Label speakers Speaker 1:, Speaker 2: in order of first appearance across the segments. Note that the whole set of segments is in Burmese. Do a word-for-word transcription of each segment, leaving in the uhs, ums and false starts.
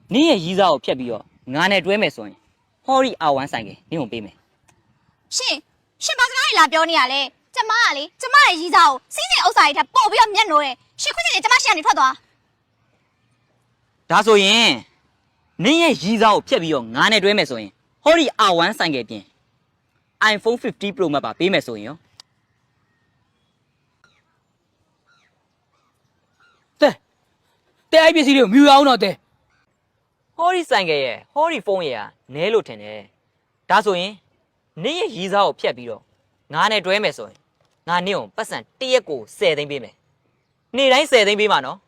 Speaker 1: 你也依照撇比哦，俺那专门说，好的阿万三个，你用背没？
Speaker 2: 是，是把这哪里拉表你啊嘞？这妈哩，这妈哩依照，现在欧啥一条保镖面罗诶，谁看见这妈想你ထွက်多？
Speaker 1: 大所以，你也依照撇比哦，俺那专门说，好的阿万三个点 ，iPhone fifty Pro 嘛把背没说哟。
Speaker 3: 对，对 I P C 的没有那的。
Speaker 1: 好的三个耶，好的风耶，哪路听的？大所以，你也依照撇比哦，俺那专门说，俺你用不算第一个设定背没？你来设定背嘛喏？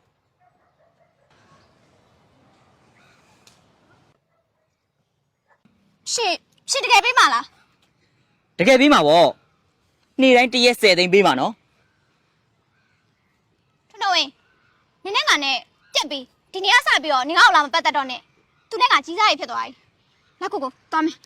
Speaker 2: 是，是这个被骂了。
Speaker 1: 这个背嘛不？你来第一设定背嘛喏？
Speaker 2: 陈大伟，你那个呢？这边，今天啥比哦？你看我那么不得着呢？tu那个几啥一撇多哎？来哥哥，到没？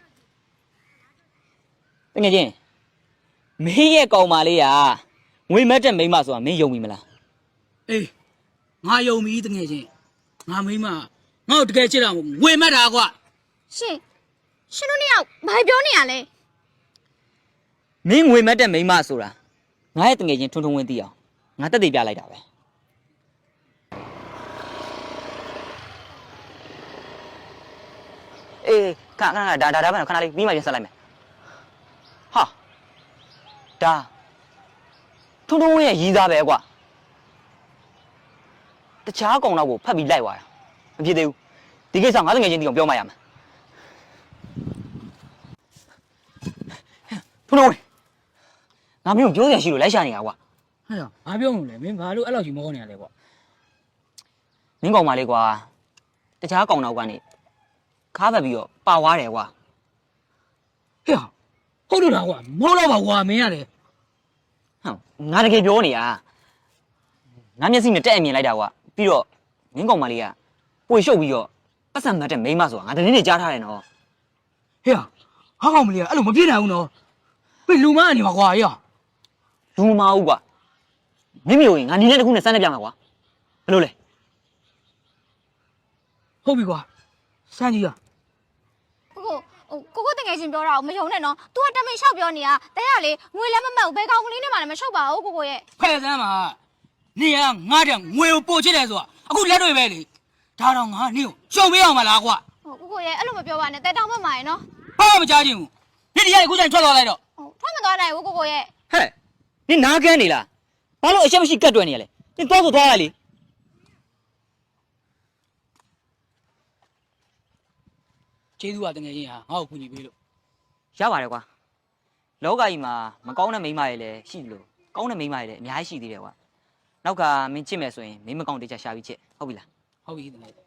Speaker 1: တကယ်ချင်းမင်းရဲ့ကောင်မလေးကငွေမက်တဲ့မိန်းမဆိုတာမင်းယုံပြီမလား
Speaker 3: အေးငါယုံပြီတကယ်ချင်းငါမိမငါ့ကိုတကယ်ချစ်တာဝေမက်တာကွာ
Speaker 2: ရှင်ရှင်တို့နှစ်ယောက်ဘာပြောနေရလဲ
Speaker 1: မင်းငွေမက်တဲ့မိန်းမဆိုတာငါရဲ့တကယ်ချင်းထွန်းထွန်းဝင်းသိအောင်ငါတက်တည်ပြလိုက်တာပဲအေးခဏခဏဒါဒါဒါပဲခဏလေးပြီးမှပြန်ဆက်လိုက်မယ်ဟာဒါထွန်းထွန်းဝင်းရဲ့ရီးသားပဲကွာတခြားကောင်တော့ကိုဖတ်ပြီးလိုက်သွားတာမဖြစ်သေးဘူးဒီကိစ္စငါတကယ်ချင်းသိအောင်ပြောမှရမယ်ထွန်းထွန်းဝင်းငါမျိုးပြောရရှိလို့လိုက်ရှာနေတာကွာ
Speaker 3: ဟဲ့ငါပြောလို့လေမင်းဘာလို့အဲ့လောက်ကြီးမောနေရလဲကွာ
Speaker 1: မင်းကောင်မလေးကွာတခြားကောင်တော့ကနေခါးပတ်ပြီးတော့ပါသွားတယ်ကွာ
Speaker 3: ဟဲ့ဟုတ်လို့လားကွာမောတော့ပါကွာမင်းရတယ်
Speaker 1: ဟမ်ငါတကယ်ပြောနေတာငါမျက်စိနဲ့တက်အမြင်လိုက်တာကွာပြီးတော့မင်းကောင်မလေးကပွေရှုပ်ပြီးတော့ပတ်စံမတ်တဲ့မိန်းမဆိုတာငါတနေ့နေ့ကြားထားတယ်နော်
Speaker 3: ဟဲ့ဟာကောင်မလေးကအဲ့လိုမပြည့်နိုင်ဘူးနော်ဘယ်လူမအနေမှာကွာဟဲ့
Speaker 1: လူမအောင်ကွာမိမိကိုငါနီးတဲ့တစ်ခုနဲ့စမ်းနေပြမှာကွာဘယ်လိုလဲ
Speaker 3: ဟုတ်ပြီကွာစမ်းကြည့်ရ
Speaker 2: ကိုကိုဟိုကိုကိုတကယ်ချင်းပြောတာကိုမယုံနဲ့နော် तू ကတမင်လျှောက်ပြောနေတာတဲ့ရလေငွေလည်းမမှတ်ဘူးဘယ်ကောင်ကလေးနဲ့မှလည်းမလျှောက်ပါဘူးကိုကိုရဲ့
Speaker 3: ဖဲ့စမ်းပါနေကငါတဲ့ငွေကိုပို့ချစ်တယ်ဆိုတာအခုလက်တွေပဲလေဒါတော့ငါနေကိုရှုံပေးအောင်မလားကွာ
Speaker 2: ဟိုကိုကိုရဲ့အဲ့လိုမပြောပါနဲ့တဲတောင်မှမှာရယ်နော်
Speaker 3: ဘာမှမကြားချင်ဘူးဒီတရားကိုချိန်ထွက်သွားလိုက်တော့
Speaker 2: ဟိုထွက်မသွားနိုင်ဘူးကိုကိုရဲ့
Speaker 1: ဟဲ့နင်နားကန်းနေလားဘာလို့အချက်မရှိကတ်တွယ်နေရလဲနင်သွားဆိုသွားရလေ
Speaker 3: ကျေးဇူးပါတကယ်ချင်းဟာငါ့ကိုကူညီပေးလို့
Speaker 1: ရပါတယ်ကွာလောကကြီးမှာမကောင်းတဲ့မိန်းမတွေလည်းရှိတယ်လို့ကောင်းတဲ့မိန်းမတွေလည်းအများကြီးရှိသေးတယ်ကွာနောက်ကမင်းချစ်မယ်ဆိုရင်မင်းမကောင်းတေချာရှာပြီးချစ်ဟုတ်ပြီလား
Speaker 3: ဟုတ်ပြီတကယ်